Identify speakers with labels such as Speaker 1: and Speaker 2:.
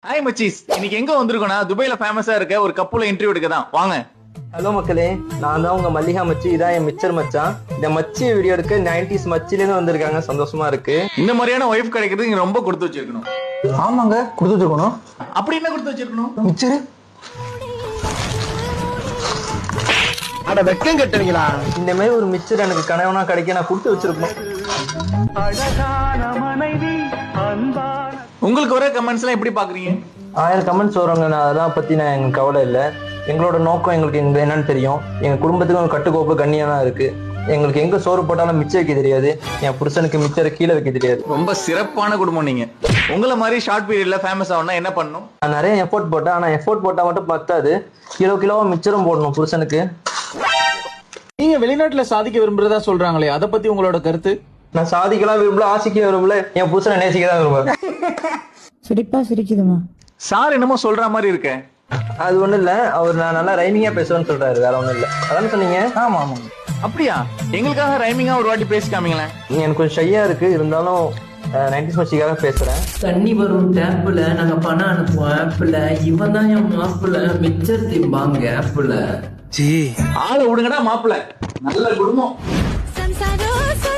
Speaker 1: Hi மச்சீஸ், இன்னைக்கு எங்க வந்திருக்கோம்னா துபாயில ஃபேமஸா இருக்க ஒரு கப்புல இன்டர்வியூ எடுக்க தான். வாங்க.
Speaker 2: ஹலோ மக்களே, நான் தான் உங்க மல்லிகா மச்சி. இதான் என் மிச்சர் மச்சான். இந்த மச்சி வீடியோ எடுக்க 90s மச்சிலேருந்து வந்திருக்காங்க. சந்தோஷமா இருக்கு.
Speaker 1: இந்த மாதிரியான ஒய்ஃப் கிடைக்கிறது நீங்க ரொம்ப கொடுத்து வச்சிருக்கணும்.
Speaker 3: ஆமாங்க, கொடுத்து வச்சிருக்கணும்.
Speaker 1: அப்படி என்ன கொடுத்து வச்சிருக்கணும்?
Speaker 3: மிச்சரு அட வெக்கம் கட்டுவீங்களா?
Speaker 2: இந்த மாதிரி ஒரு மிச்சர் எனக்கு கனவுனா கிடைக்க நான் கொடுத்து வச்சிருப்போம்.
Speaker 1: உங்களுக்கு வர கமெண்ட்ஸ் எல்லாம் எப்படி பாக்குறீங்க?
Speaker 2: 1000 கமெண்ட்ஸ் வருவாங்க. நான் அதெல்லாம் பத்தி எனக்கு கவலை இல்லை. எங்களோட நோக்கம் எங்களுக்கு என்னன்னு தெரியும். எங்க குடும்பத்துக்கு ஒரு கட்டுக்கோப்பு கண்ணியா தான் இருக்கு. எங்களுக்கு எங்க சோறு போட்டாலும் மிச்சம் வைக்க தெரியாது. என் புருஷனுக்கு மிச்சரை கீழே வைக்க தெரியாது.
Speaker 1: ரொம்ப சிறப்பான குடும்பம் நீங்க. உங்களை மாதிரி ஷார்ட் பீரியட்ல ஃபேமஸ் ஆகணும்னா என்ன பண்ணணும்?
Speaker 2: நான் நிறைய எஃபோர்ட் போட்டேன். ஆனா எஃபோர்ட் போட்டா மட்டும் பத்தாது. கிலோவா மிச்சரும் போடணும் புருஷனுக்கு.
Speaker 3: நீங்க வெளிநாட்டுல சாதிக்க விரும்புறதா சொல்றாங்களே, அத பத்தி உங்களோட கருத்து?
Speaker 2: நான் சாதிக்கலாம் விரும்பல, ஆசிக்க விரும்பல, என் புருஷனை நேசிக்க தான் விரும்புறேன்.
Speaker 4: சிரிப்பா சிரிக்குதுமா.
Speaker 1: சார் என்னமோ சொல்ற மாதிரி இருக்க.
Speaker 2: அது ஒண்ணும் இல்ல, அவர் நான் நல்லா ரைமிங்கா பேசுவேன்னு சொல்றாரு, வேற ஒண்ணும் இல்ல. அதான சொன்னீங்க?
Speaker 3: ஆமா ஆமா.
Speaker 1: அப்படியா? எங்களுக்காக ரைமிங்கா ஒரு வாட்டி பேசி காமிங்களேன்.
Speaker 2: எனக்கு கொஞ்சம் ஷையா இருக்கு, இருந்தாலும் 90s மச்சிக்காக பேசுறேன்.
Speaker 5: தண்ணி வரும் டேப்புல நாங்க பணம் அனுப்புவோம் ஆப்புல. இவன் தான் என் மாப்புல மிச்சர் திம்பாங்க ஆப்புல.
Speaker 1: ஆளை விடுங்கடா மாப்பிள்ள. நல்ல குடும்பம்.
Speaker 6: संसारो